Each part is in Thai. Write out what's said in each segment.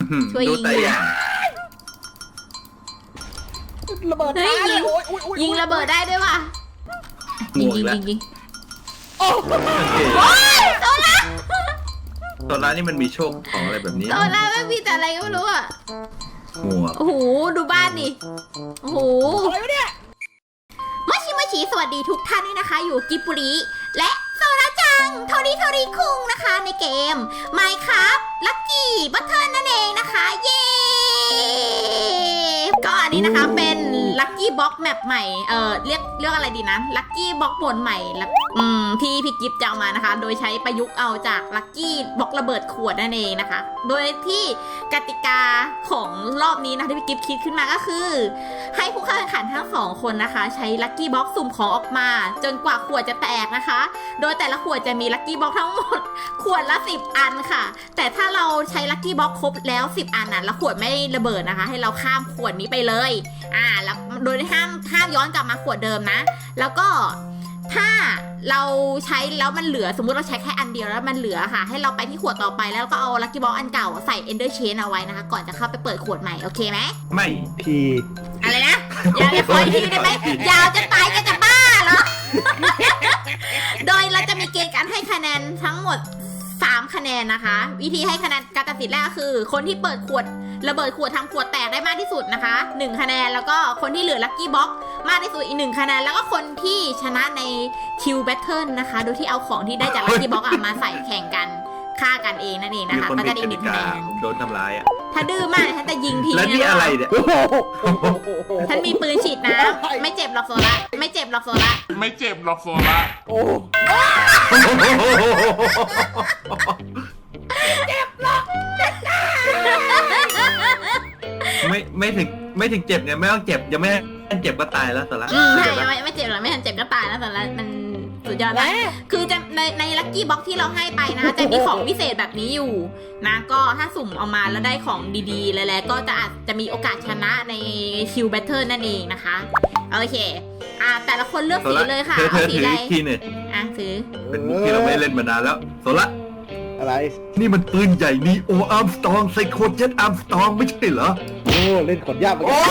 ช่วยยิงระเบิดเฮ้ยยิงระเบิดได้ด้วยว่ะยิงโอ้โอ้ยโซล่านี่มันมีโชคของอะไรแบบนี้โซล่าไม่มีแต่อะไรก็ไม่รู้อ่ะหมวกโอ้โหดูบ้านดิโอ้โหอะไรวะเนี่ยมาชิสวัสดีทุกท่านด้วยนะคะ อยู่กิบบุรีและโซล่าจังโทริคุงนะคะในเกม Minecraft Lucky Button นั่นเองนะคะเย้ก็อันนี้นะคะเป็น Lucky Box Map ใหม่เรียกอะไรดีนะ Lucky Box โหมดใหม่ที่พี่กิฟต์จะเอามานะคะโดยใช้ประยุกต์เอาจาก Lucky Box ระเบิดขวดนั่นเองนะคะโดยที่กติกาของรอบนี้นะที่พี่กิฟต์คิดขึ้นมาก็คือให้ผู้เข้าแข่งขันทั้ง2คนนะคะใช้ Lucky Box สุ่มของออกมาจนกว่าขวดจะแตกนะคะโดยแต่ละขวดจะมี Lucky Box ทั้งหมดขวดละ10อันค่ะแต่ถ้าเราใช้ Lucky Box ครบแล้ว10อันน่ะแล้วขวดไม่ระเบิดนะคะให้เราข้ามขวดนี้ไปเลยแล้วโดยห้ามย้อนกลับมาขวดเดิมนะแล้วก็ถ้าเราใช้แล้วมันเหลือสมมุติเราใช้แค่อันเดียวแล้วมันเหลือค่ะให้เราไปที่ขวดต่อไปแล้วก็เอา Lucky Box อันเก่าใส่ Ender Chain เอาไว้นะคะก่อนจะเข้าไปเปิดขวดใหม่โอเคไหมไม่พี่อะไรนะอย่าขออีกทีได้ไหมยาวจะตายจะบ้าเหรอ โดยเราจะมีเกณฑ์การให้คะแนนทั้งหมด3คะแนนนะคะวิธีให้คะแนนการตัดสินแรกคือคนที่เปิดขวดระเบิดขวดทำขวดแตกได้มากที่สุดนะคะ1คะแนนแล้วก็คนที่เหลือ Lucky Box มากที่สุดอีก1คะแนนแล้วก็คนที่ชนะใน Kill Battle นะคะโดยที่เอาของที่ได้จาก Lucky Box มาใส่แข่งกันฆ่ากันเองนั่นเองนะคะก็จะได้อีก1คะแนนผมโดนทำร้ายอ่ะถ้าดื้อมากฉันจะยิงทีแล้วนี่อะไรเนี่ยฉันมีปืนฉีดน้ำไม่เจ็บหรอกโซล่าไม่เจ็บหรอกโซล่าไม่เจ็บหรอกโซล่าโอ้ไม่ถึงเจ็บเนี่ยไม่ต้องเจ็บยังไม่เจ็บก็ตายแล้วสาระใช่ไม่เจ็บหรอกไม่ทันเจ็บก็ตายแล้วโซล่ามันสุดยอดมากคือจะในลัคกี้บ็อกที่เราให้ไปนะจะมีของพิเศษแบบนี้อยู่นะก็ถ้าสุ่มเอามาแล้วได้ของดีๆแล้วก็อาจจะมีโอกาสชนะในคิวแบทเทิลนั่นเองนะคะโอเคแต่ละคนเลือกสีเลยค่ะเอาสีอะไรทีหนึ่งถือเป็นมุกที่เราไม่เล่นมานานแล้วโซล่าอะไรนี่มันปืนใหญ่นีโออาร์มสตรองไซโคเจ็ตอาร์มสตรองไม่ใช่เหรอโอ้เล่นของยากเหมือนกัน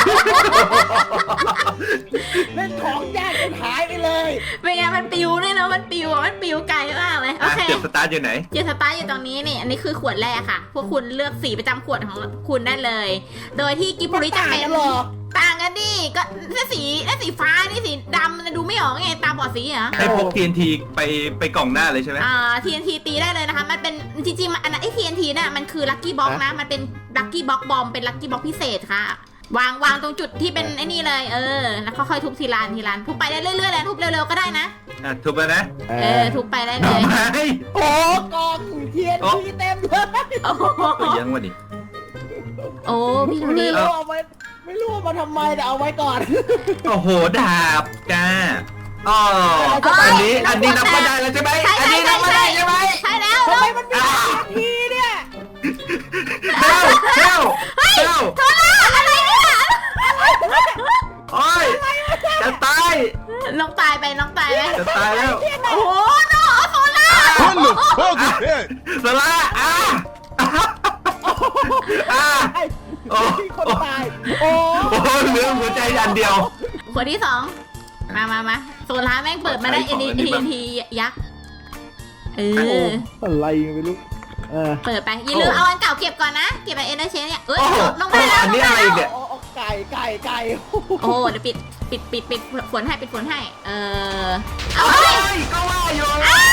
เล่นของยากจนหายไปเลยเป็นไงมันปิวด้วยนะมันปิวไกลมากเลยโอเคจุดสตาร์ทอยู่ไหนจุดสตาร์ทอยู่ตรงนี้นี่อันนี้คือขวดแรกค่ะพวกคุณเลือกสีประจำขวดของคุณได้เลยโดยที่กิบบุริจะเป็นต่างกันดิก็สีฟ้านี่สีดำมันดูไม่ออกไงตาบอดสีเหรอให้พก TNT ไปกล่องหน้าเลยใช่ไหม TNT ตีได้เลยนะคะมันเป็นจริงๆอันนั้นTNT น่ะมันคือ Lucky Box นะมันเป็น Lucky Box บอมเป็น Lucky Box พิเศษค่ะวางตรงจุดที่เป็นไอ้นี่เลยแล้วค่อยๆทุบทีละทุบไปได้เรื่อยๆเลยทุบเร็วๆก็ได้นะทุบไปนะทุบไปได้เลยโอ้กองTNTเต็มเลยยังวะดิโอ้พี่ดูดิไม่รู้ว่ามาทำไมแต่เอาไว้ก่อนโอ้โหดาบจ้าอันนี้นับไม่ได้แล้วใช่ไหมอันนี้นับไม่ได้ใช่ไหมใช่แล้วทำไมมันมีทีเนี่ยเจ้าโทรล่าอะไรเนี่ยโอ้ยจะตายน้องตายไปจะตายแล้วโอ้โหน้องโซล่าโซล่าคนตายโอ้เหลือหัวใจอันเดียวคนที่2มาโซล่าแม่งเปิดมาได้NTยักษ์อะไรไม่รู้เปิดไปอย่าลืมเอาอันเก่าเก็บก่อนนะเก็บไปEnder Chainเนี่ยลงไปแล้วอันนี้อะไรเนี่ยไก่โอ้เดี๋ยวปิดฝนให้เอาก็ว่าอยู่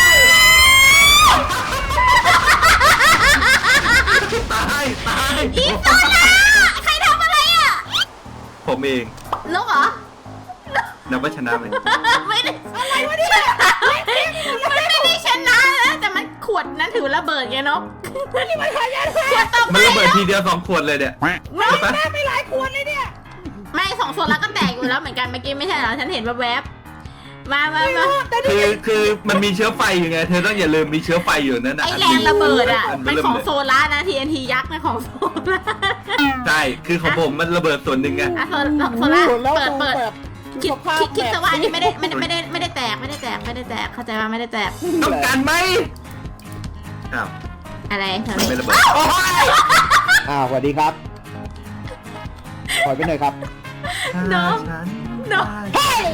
ตายอีโซล่าใครทำอะไรอ่ะผมเองนกเหรอนับว่าชนะไหมไม่ได้อะไรวะเนี่ยมันไม่ได้ชนะนะแต่มันขวดนั้นถือระเบิดไงนกนี่มันขยันขวดต่อไปมันระเบิดทีเดียว2 ขวดเลยเนี่ยแม่ไม่หลายขวดเลยเนี่ยไม่2 โซล่าก็แตกอยู่แล้วเหมือนกันเมื่อกี้ไม่ใช่เหรอฉันเห็นแวบมาคือมันมีเชื้อไฟอยู่ไงเธอต้องอย่าลืมมีเชื้อไฟอยู่นั่นนะไอแรงระเบิดอ่ะเป็นของโซล่านะ TNT ยักษ์นะของโซล่าใช่คือของผมมันระเบิดส่วนหนึ่งไงโซล่าเปิดคิดแต่ว่าอันนี้ไม่ได้แตกเข้าใจว่าไม่ได้แตกต้องการไหมอะไรไม่ระเบิดสวัสดีครับถอยไปหน่อยครับน้องน้องเฮ้ย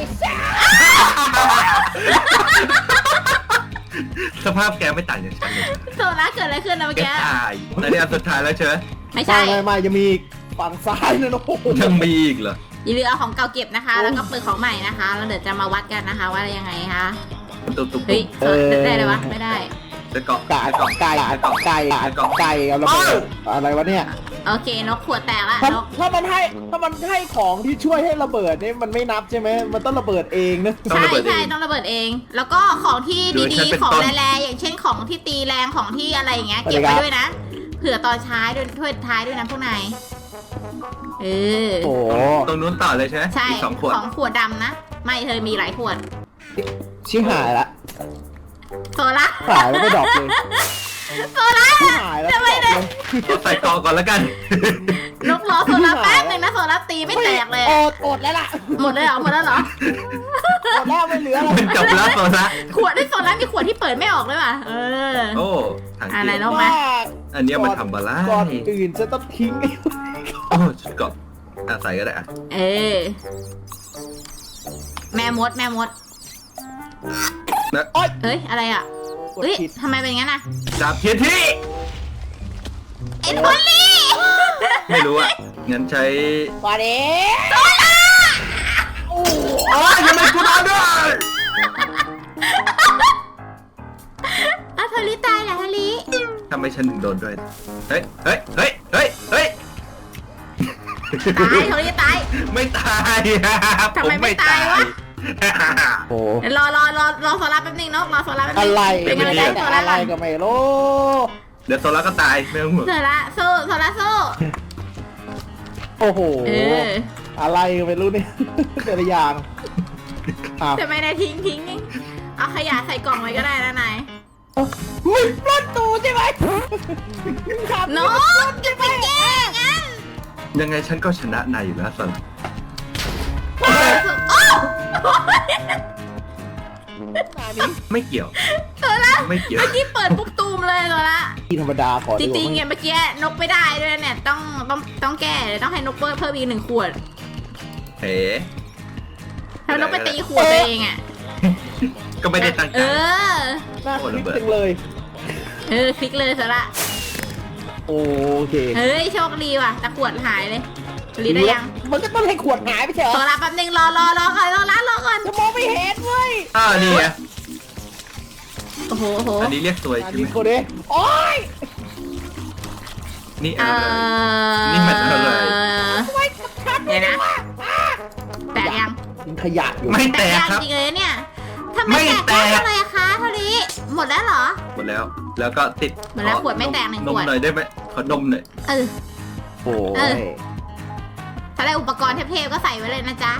สภาพแกไม่ต่างจากฉันเลยโซล่าเกิดอะไรขึ้นนะเมื่อแกกี้ตายแต่นี่อันสุดท้ายแล้วเชอไม่ใช่ไม่จะมีฝั่งซ้ายนะโอ้โหยังมีอีกเหรออย่าลืมเอาของเก่าเก็บนะคะ แล้วก็เปิดของใหม่นะคะแล้วเดี๋ยวจะมาวัดกันนะคะว่ายังไงคะตุ๊บเฮ้ยได้เลยวะไม่ได้จะเกาะไก่เอาระเบิดอะไรวะเนี่ยโอเคนกขวดแตกละถ้านกถ้ามันให้ของที่ช่วยให้ระเบิดนี่มันไม่นับใช่ไหมมันต้องระเบิดเองนะใช่ใช่ต้องระเบิดเอง แล้วก็ของที่ดีๆของแรงๆอย่างเช่นของที่ตีแรงของที่อะไรอย่างเงี้ยเก็บไว้ด้วยนะเผื่อตอนท้ายด้วยถ้วยท้ายด้วยนะพวกนายเออโอ้โหตรงนู้นต่อเลยใช่ไหมใช่อีก2 ขวดของขวดดำนะไม่เธอมีหลายขวดชิหายละโซล่าหายแล้วก็ดรอปเลยโซล่าชิหายแล้วก็ดรอปเลยเราใส่เกาะก่อนแล้วกันนกรอโซล่าแป๊บหนึงนะโซล่าตีไม่แตกเลยอดแล้วล่ะหมดเลยเหรอหมดแล้วเหรออดแล้วไม่เหลืออะไรมันจบแล้วโซละขวดที่โซล่ามีขวดที่เปิดไม่ออกเลยว่ะเออโอ้ถังอะไรเกียน้องร์มาอันเนี้ยมันทำบาล่าก่อนอื่นจะต้องทิ้งโอ้ชุดเกาะใส่ก็ได้อะเออแม่มดนะเอ้ยอะไรอ่ะกดเอ้ยผิดทำไมเป็นงั้นอ่ะจับเทียนที่ไอ้โทลี่ไม่รู้อ่ะงั้นใช้มาเด้อ๋อทำไมกูโดนด้วยอ่ะโทลี่ตายเหรอโทลี่ทำไมฉันถึงโดนด้วยเฮ้ยตายโทลี่ตายไม่ตายครับทำไมไม่ตายวะโอ้เดี๋ยวรอโซล่าแป๊บนึงเนาะรอโซล่าแป๊บนึงอะไรเป็นกำลังใจให้โซล่าอะไรก่อนก็ไม่รู้เดี๋ยวโซล่าก็ตายไม่ต้องห่วงโซล่าสู้โซล่าสู้โอ้โหเอออะไรก็ไม่รู้เนี่ยแต่ละอย่างอ้าวทำไมนายทิ้งเอาขยะใส่กล่องไว้ก็ได้นะนายมึงปล้นตูใช่ไหมน้องจะไปแก้งั้นยังไงฉันก็ชนะนายอยู่แล้วสันโอ้ไม่เกี่ยวโซล่าไม่เกี่ยวเมื่อกี้เปิดปุ๊บตูมเลยโซล่าที่ธรรมดาขอจริงๆเนี่ยเมื่อกี้นกไม่ได้ด้วยเนี่ยต้องแก้เลยต้องให้นกเพิ่มอีก1 ขวดเฮ้ถ้านกไปตีขวดตัวเองอ่ะก็ไม่ได้ตั้งใจเออน่าคลิกจังเลยคลิกเลยสละโอเคเฮ้ยโชคดีว่ะแต่ขวดหายเลยรีได้ยังมันก็ต้องให้ขวดหายไปเถโซอะล่าแป๊บนึงรอก่อนรอก่อนจะมองไม่เห็นเว้ยนี่ไงโอ้โหอันนี้เรียกสวยอันใช่ไหนี้มโคเดโอ้ยนี่อะไรนี่มันอะไรเดี๋ยวนะแตกยังทิ้งขยะอยู่ไม่แตแตกกยังครับจริงเลยเนี่ยทำไมไม่แตกแตกได้เลยอะคะเท่านี้หมดแล้วเหรอหมดแล้ว แล้วก็ติดหมดแล้วขวดไม่แตกหนึ่งนขมวดหน่อยได้ไหมขอนมหน่อยเออโอ้ยถ้าได้อุปกรณ์เทพๆก็ใส่ไว้เลยนะจ๊ะ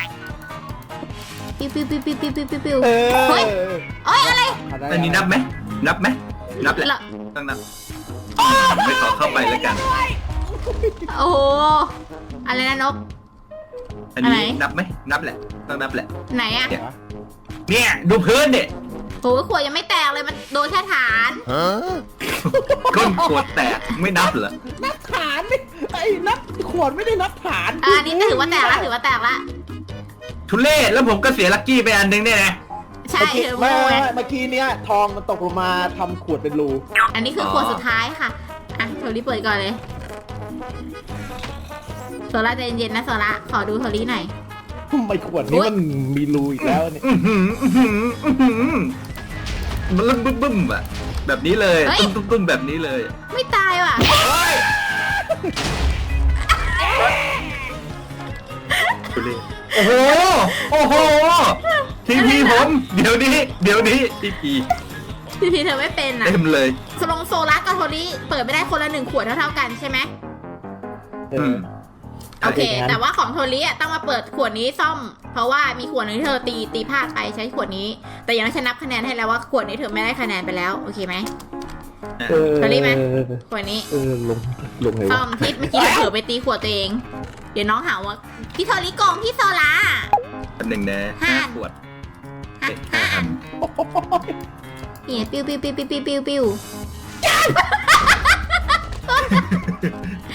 ปิ้วเออเฮ้ย โอ๊ยอะไรอันนี้นับไหมนับไหมนับแหละเหรอต้องนับไม่ขอเข้าไปแล้วกันโอ้โหอะไรนะนกอันนี้อะไรนับไหมนับแหละต้องนับแหละไหนอะเนี่ยดูพื้นเนี่ยโหขวดยังไม่แตกเลยมันโดนแค่ฐานก้นขวดแตกไม่นับเหรอนับฐานนี่ไอ้นับขวดไม่ได้นับฐานอันนี้ถือว่าแตกละถือว่าแตกละทุเล่แล้วผมก็เสียลักกี้ไปอันนึงเนี่ยนะใช่เมื่อกี้เธอโมไม่ยเมื่อกี้เนี้ยทองมันตกลงมาทำขวดเป็นรูอันนี้คือขวดสุดท้ายค่ะอ่ะโทรี่เปิดก่อนเลยโซล่าใจเย็นๆนะโซล่าขอดูโทรี่หน่อยทำไมขวดนี้มันมีรูอีกแล้วเนี่ยมันเริ่มบึ้มๆอ่ะแบบนี้เลยตึ้มๆแบบนี้เลยไม่ตายว่ะทุเล่โอ้โหโอ้โหทีพีผมเดี๋ยวนี้ทีพีพี่เธอไม่เป็นอ่ะเต็มเลยโซล่ากับโทรี่เปิดไม่ได้คนละ1 ขวดเท่าๆกันใช่ไหม โอเค แต่ว่าของโทรี่อ่ะต้องมาเปิดขวดนี้ซ่อม เพราะว่ามีขวดนึงที่เธอตีพลาดไปใช้ขวดนี้ แต่อย่างนั้นฉันนับคะแนนให้แล้วว่าขวดนี้เธอไม่ได้คะแนนไปแล้วโอเคไหม โทรี่ไหม ขวดนี้ลงไงซ่อวะมที่เมื่อกี้เผลอไปตีขวดตัวเอง เดี๋ยวน้องหาว่าพี่โทรี่โกงพี่โซล่าอันหนึ่งนะ5 ขวดห้าอันเนี่ยปิ้ว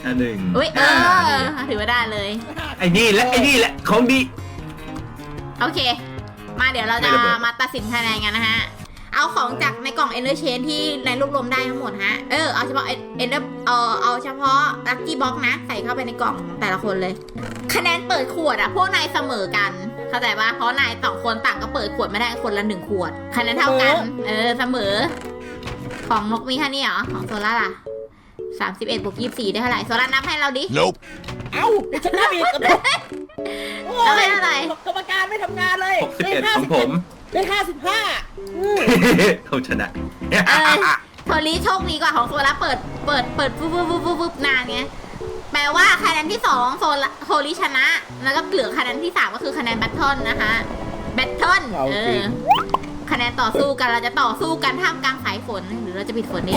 หนึ่งอุ้ยถือว่าได้เลยไอ้นี่แหละของดีโอเค มาเดี๋ยวเราจะไม่ระเบิดมาตัดสินคะแนนกันนะฮะ เอาของจากในกล่อง Ender Chain ที่ในรวบรวมได้ทั้งหมดฮะ เอาเฉพาะ Ender เอาเฉพาะ Lucky Box นะ ใส่เข้าไปในกล่องของแต่ละคนเลย คะแนนเปิดขวดอะพวกนายเสมอกัน เข้าใจปะเพราะนายต่างคนต่างก็เปิดขวดไม่ได้คนละ1 ขวด คะแนนเท่ากัน เสมอ ของนกมีแค่นี้เหรอ ของโซล่าล่ะ31บวก24ได้เท่าไหร่ โซล่านับให้เราดิ Nope. เอ้าเดี๋ยวฉันนับอีกโอ้แล้วไม่ยเท่าไหร่กรรมการไม่ทำงานเลย 61ของผมได้55 เขาชนะโทรีโชคดีกว่าของโซล่าเปิดปุ๊บนานไง แปลว่าคะแนนที่2โทรีชนะ แล้วก็เหลือคะแนนที่3ก็คือคะแนนแบทเทิลนะคะ แบทเทิลเอาจริงคะแนนต่อสู้กันเราจะต่อสู้กันท่ามกลางสายฝนหรือเราจะปิดฝนดี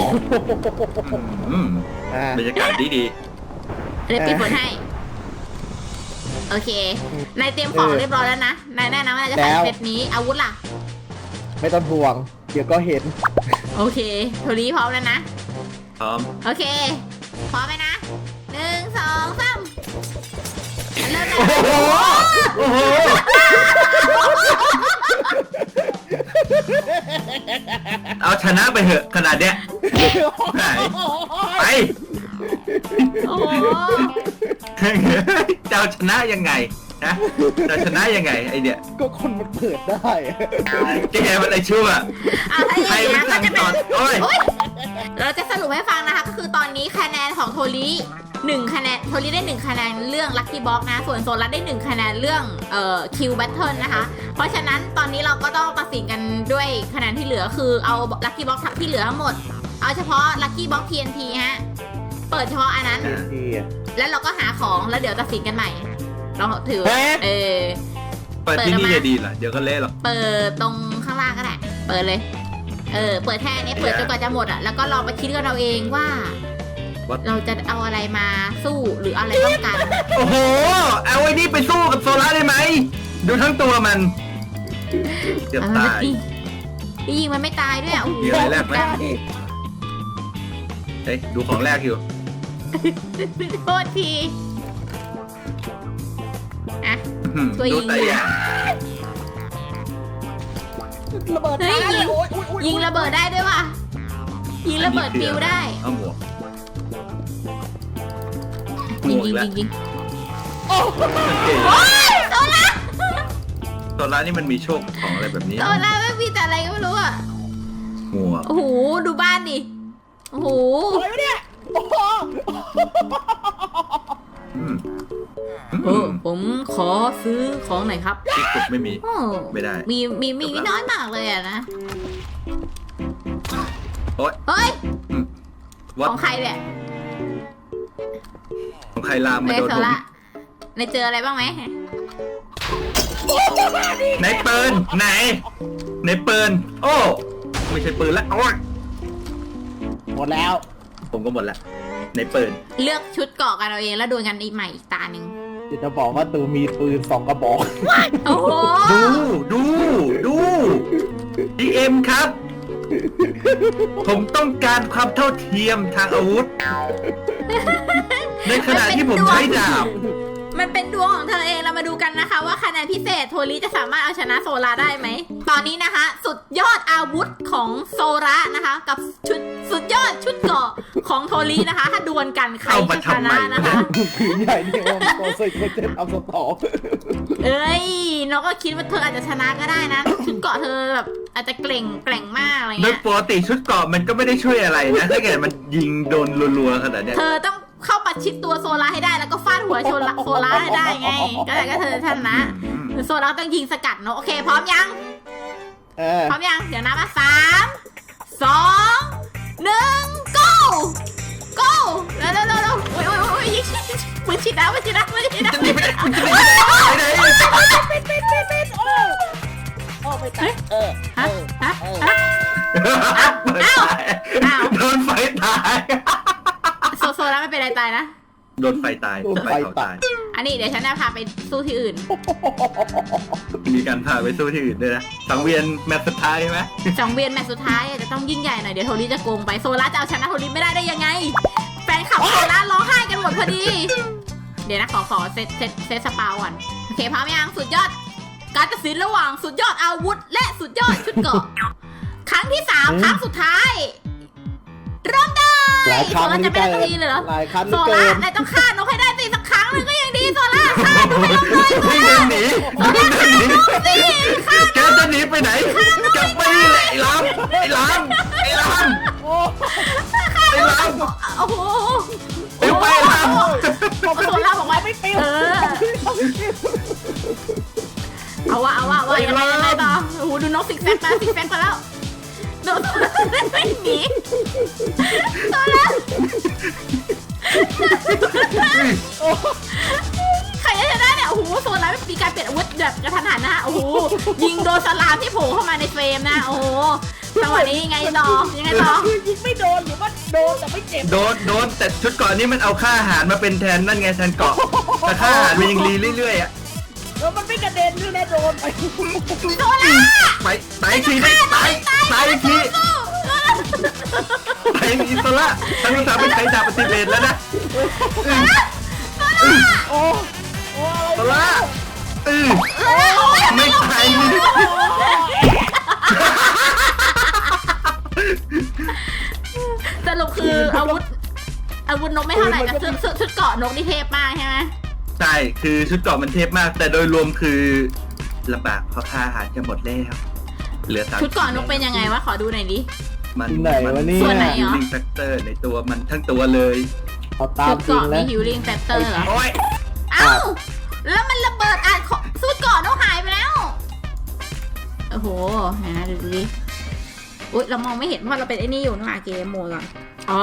บรรยากาศดีเดี๋ยวปิดฝนให้ โอเค นายเตรียมของเรียบร้อยแล้วนะ นายแน่นะว่านายจะใส่เซตนี้ อาวุธล่ะไม่ต้องห่วง เดี๋ยวก็เห็นโอเค โทรีพร้อมแล้วนะพร้อมโอเค พร้อมไหมนะ1 2 3เริ่มเลยโอ้โห เอาชนะไปเถอะขนาดเนี้ยไหนไปโอ้โหจะเอาชนะยังไงนะจะชนะยังไงไอเดียก็คนมันเปิดได้แกมันอะไรชั่วเอาถ้าอย่างใครนี้มันนะก็สั่งจะสเป็อนนโอ้ยอุ๊ยเราจะสรุปให้ฟังนะคะ ก็คือตอนนี้คะแนนของโทรี1 คะแนน โทรีได้1 คะแนนเรื่อง Lucky Box นะ ส่วนโซลัสได้1 คะแนนเรื่องQ Battle นะคะ เพราะฉะนั้นตอนนี้เราก็ต้องตัดสินกันด้วยคะแนนที่เหลือคือเอา Lucky Box ที่เหลือทั้งหมด เอาเฉพาะ Lucky Box TNT ฮะ เปิดเฉพาะอันนั้น แล้วเราก็หาของแล้วเดี๋ยวตัดสินกันใหม่ เราถือฮะเปิดที่นี่จะดีเหรอเดี๋ยวก็เละหรอกเปิดตรงข้างล่างก็ได้ เปิดเลย เปิดแค่นี้เปิดจนกว่าจะหมดอ่ะ แล้วก็ลองไปคิดกันเราเองว่า เราจะเอาอะไรมาสู้หรืออะไรป้องกันโอ้โห เอาไอ้นี่ไปสู้กับโซล่าได้ไหม ดูทั้งตัวมันเกือบตายยิงมันไม่ตายด้วยอ่ะโอ้โหมีอะไรแรกไหม เฮ้ยดูของแรกอยู่โทษที อ่ะ ช่วยยิงดูแต่อย่างระเบิดเฮ้ยตาเลยิงโอ้โอ้ยิงระเบิดได้ด้วยว่ะ ยิงระเบิดปิวได้เอาหมวกยิงหมวกแล้วยิงโอ้โอ้ยโซล่าโซล่านี่มันมีโชคของอะไรแบบนี้โซล่าไม่มีแต่อะไรก็ไม่รู้อ่ะหมวกโอ้โห ดูบ้านดิ โอ้โหอะไรวะเนี่ยโอ้โหอืมผมขอซื้อของหน่อยครับที่กดไม่มีโอ้ไม่ได้มีน้อยมากเลยอะนะโอ๊ยเฮ้ยวัดของใครเนี่ยของใครลามมาเฮ้ยโดนโซผมล่าในเจออะไรบ้างไหมไหนปืนไหนในปืนโอ้ไม่ใช่ปืนละโอ๊ยหมดแล้วผมก็หมดละในปืนเลือกชุดเกาะกันเอาเองแล้วดวลกันอีกใหม่อีกตาหนึ่งเดี๋ยวจะบอกว่าตูมีปืน2 กระบอกโอ้โหดู DM ครับ ผมต้องการความเท่าเทียมทางอาวุธ ในขณะที่ผมใช้ดาบมันเป็นดวงของเธอเองเรามาดูกันนะคะ ว่าคะแนนพิเศษโทริจะสามารถเอาชนะโซลาได้ไหม ตอนนี้นะคะ สุดยอดอาวุธของโซระนะคะ กับชุดสุดยอดชุดเกราะของโทรินะคะ ถ้าดวลกันใครเอามาจะชทำไมนะนะคะผืนใหญ่เนี่ยมันตัวใส่ตัวเจ็ดเอาสตอเอ้ยน้องก็คิดว่าเธออาจจะชนะก็ได้นะ ชุดเกราะเธอแบบอาจจะแกร่งมากอะไรโดยเงี้ยปกติชุดเกราะมันก็ไม่ได้ช่วยอะไรนะ ถ้าเกิดมันยิงโดนรัวๆขนาดเนี้ยเธอต้องเข้าประชิดตัวโซลาให้ได้แล้วก็ฟาดหัวโซลาให้ได้ไง ก็แต่ก็เธอชนะโซลาต้องยิงสกัดเนาะโอเคพร้อมยัง พร้อมยัง เดี๋ยวนับมา3 2 1 go go เร็วโอ้ยยิงปืนฉีดน้ำปืนฉีดน้ำจะหนีไปไหนคุณจะหนีไปไหนปิดโอ้ไม่ตายฮะโดนไฟตายโซลาไม่เป็นไรตายนะโดนไฟตายไฟเขาตายอันนี้เดี๋ยวฉันจะพาไปสู้ที่อื่นมีการพาไปสู้ที่อื่นด้วยนะสังเวียนแมตช์สุดท้ายไหม 2 เวียนแมตช์สุดท้ายจะต้องยิ่งใหญ่หน่อยเดี๋ยวโทริจะโกงไปโซลาจะเอาชนะโทริไม่ได้ยังไง แฟนคลับโซลาร้องไห้กันหมดพออดี เดี๋ยวนะขอเซตสปาก่อนโอเคพร้อมยังสุดยอดการตัดสินระหว่างสุดยอดอาวุธ และสุดยอดชุดเกราะครั้งที่ 3 ครั้งสุดท้ายเริ่มได้หลายครั้งโซล่าจะไม่ได้สักทีเลยเหรอหลายครั้งโซเกิล่าน นายต้องฆ่านกให้ได้สิสักครั้งหนึงก็ยังดีโซล่าฆ่านกให้ลงเลยไม่เดินหนีไม่เดินหนีแกจะหนีไปไหนกลับไปนี่แหละไอ้ลามไอ้ลามไอ้ลามโอ้ไอ้ลามโอ้โหเดี๋ยวไปลามโซล่าบอกว่าไม่ปิวเอาวะยังไงต่อโอ้โหดูนกซิกแซกมาแล้วโดนไม่หนีโซล่าใครจะชนะเนี่ยโอ้โหโซล่ามีการเปลี่ยนอาวุธแบบกระทันหันนะฮะโอ้โหยิงโดนสลามที่โผล่เข้ามาในเฟรมนะโอ้โหจังหวะนี้ยังไงต่อคือยิงไม่โดนหรือว่าโดนแต่ไม่เจ็บโดนแต่ชุดเกาะนี้มันเอาค่าอาหารมาเป็นแทนนั่นไงแทนเกาะแต่ค่าอาหารมันยังรีเรื่อยๆอ่ะแล้วมันไม่กระเด็นด้วยนะโดนไปโซล่าไปตายทีตายทีตายอิสระทั้งสามเป็นใช้ดาบปฏิเวทแล้วนะโอ้โอ้อิสระไม่ตายนี่สรุปคืออาวุธนกไม่เท่าไหร่แต่ชุดเกาะนกนี่เทพมากใช่ไหมใช่คือชุดเกาะมันเทพมาก แต่โดยรวมคือลำบากเพราะค่าอาหารจะหมดแล้วเหลือ3 ชุดเกาะนกเป็นยังไงวะขอดูหน่อยดิมันไหนวะเนี่ยส่วนไหนฮิลลิ่งแฟกเตอร์ในตัวมันทั้งตัวเลยเอาตาชุมดจริงเกาะแล้วมีฮิลลิ่งแฟกเตอร์เหรอโอ้ยเอ้าแล้วมันระเบิดชุดเกาะนกหายไปแล้วโอ้โหนะดูดิอุ๊ยเรามองไม่เห็นเพราะเราเป็นไอ้นี่อยู่นะเกมโหมดก่อนอ๋อ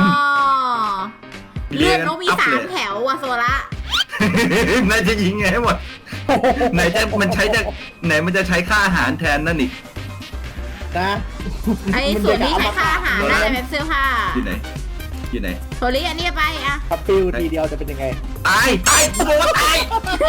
เลือดนกมี3 แถวว่ะโซล่านายจะยิงไงให้หมดไหนมันจะใช้ค่าอาหารแทนนั่นอีกนะไอ้ส่วนนี้ใช้ค่าอาหารน่าจะเป็นเสื้อผ้าอยู่ไหนโซลี่อันนี้ไปอะถ้าปิวทีเดียวจะเป็นยังไงตายกูบอกว่าตาย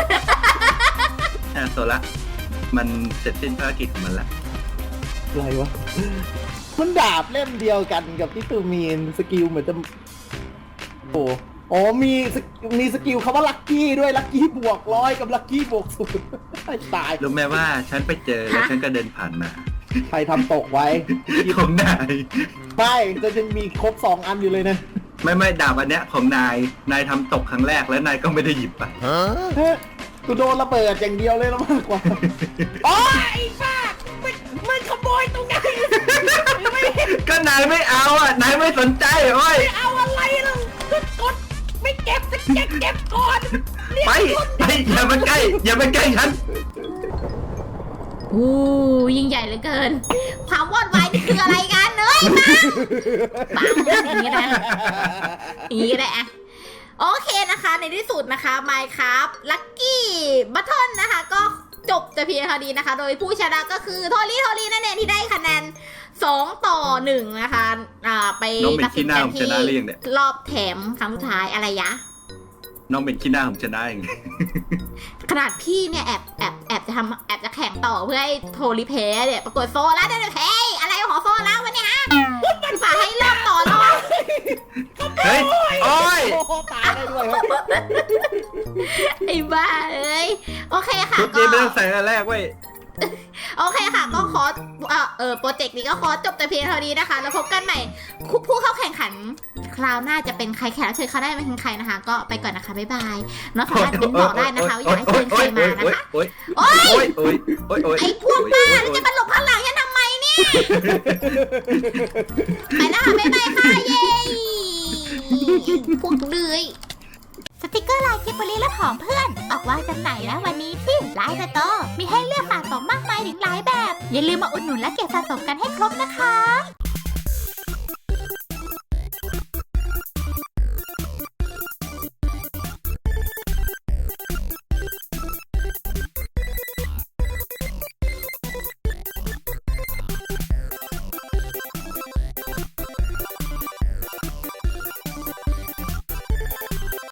โซละมันเสร็จสิ้นภารกิจของมันละอะไรวะ มันดาบเล่มเดียวกันกับที่ตูมีนสกิลเหมือนจะโอ้โอ้มีสกิลคำว่าลัคกี้ด้วยลัคกี้บวก100กับลัคกี้บวก0ให้ตายรู้ไหมว่าฉันไปเจอแล้วฉันก็เดินผ่านมาใครทำตกไว้ของนายไม่จะยังมีครบ2 อันอยู่เลยนะไม่ดาบอันเนี้ยของนายทำตกครั้งแรกแล้วนายก็ไม่ได้หยิบไปเฮ้ยกูโดนระเบิดอย่างเดียวเลยแล้วมากกว่าโอ้ยไอ้บ้ามันขโมยตรงไหนก็นายไม่เอาอ่ะนายไม่สนใจโอ้ยเอาอะไรล่ะกดไม่เก็บเก็บก่อนไปอย่ามาใกล้ฉันอู้ยิ่งใหญ่เหลือเกินความวอดวายนี่คืออะไรกันเอ้ยปังอย่างนี้นะอย่างนี้ก็ได้อะโอเคนะคะในที่สุดนะคะ Minecraft Lucky Button นะคะก็จบแต่เพียงเท่านี้นะคะ โดยผู้ชนะก็คือโทลี่นั่นเองที่ได้คะแนน2-1นะคะไปน้องเป็นตัดสินขี้หน้ากันผมชที่นะหรือยังเนี่ยรอบแถมครั้งสุดท้ายอะไรยะน้องเป็นขี้หน้าผมชนะเองขนาดพี่เนี่ยแอบจะแข่งต่อเพื่อให้โทรีเพย์เนี่ยปรากฏโซล่าได้เลยเพย์อะไรของโซล่าวะเนี่ยฮะมันฝากให้เริ่มต่อแล้วเฮ้ยโอ้ยโอ้โหตายได้ด้วยเฮ้ยไอ้บ้าเอ้ยโอเคค่ะชุดนี้ไม่ต้องใส่อันแรกเว้ยโอเคค่ะก็ขอโปรเจกต์นี้ก็ขอจบแต่เพียงเท่านี้นะคะแล้วพบกันใหม่ผู้เข้าแข่งขันคราวหน้าจะเป็นใครแขกรับเชิญเขาได้เป็นใครนะคะ ก็ไปก่อนนะคะบ๊ายบายน้องสามารถมิ้นบอกได้นะคะว่าอยากให้เชิญใครมานะคะโอ้ยไอ้พวกบ้าแล้วจะมาหลบข้างหลังฉันทำไมเนี่ยไปแล้วค่ะบ๊ายบายค่ะเย้พวกเลื้อยสติกเกอร์ลายกิบบลีและผองเพื่อนออกวางจำหน่ายแล้ววันนี้ที่ไลน์สโตร์มีให้เลือกสะสมมากมายถึงหลายแบบอย่าลืมมาอุดหนุนและเก็บสะสมกันให้ครบนะคะ